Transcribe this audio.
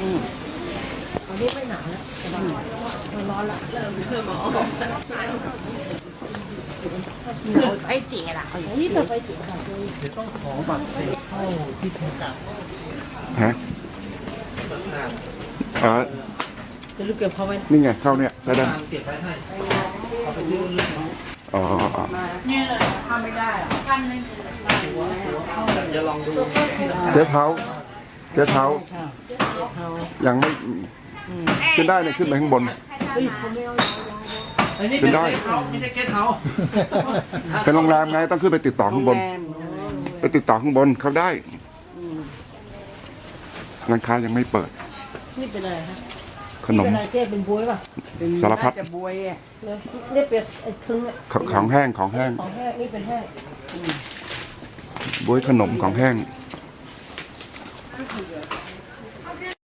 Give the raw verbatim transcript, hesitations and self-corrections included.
ตอนนี้ไม่หนาวแล้วมันร้อนละเริ่มเริ่มร้อนไอ้เจ๋ล่ะนี่เธอไปเจ๋ค่ะต้องขอบัตรเสร็จเข้าที่ทำการฮะอ๋อจะลูกเก็บเขาไว้นี่ไงเข้าเนี่ยได้ดันเก็บไว้ให้อ๋ออ๋อนี่เลยทำไม่ได้ทำเลยจะลองดูเจ๊เท้าเจ๊เท้ายังไม่ขึ้นได้เนี่ยขึ้นไปข้างบนอันนี้ขึ้เป็นนได้เกสเฮาส์ไม่ใช่เกสเฮาส์เป็นโรงแรมไงต้องขึ้นไปติดต่อข้างบนไปติดต่อข้างบนเขาได้ร้านค้ายังไม่เปิดนี่เป็นอะไรคะขนมเป็นอะไรเจ๊เป็นบวยป่ะสารพัดจะบวยอ่ะนี่เป็นไอ้คึงอ่ะของของแห้งของแห้งของแห้งนี่เป็นแห้งบวยขนมของแห้งอ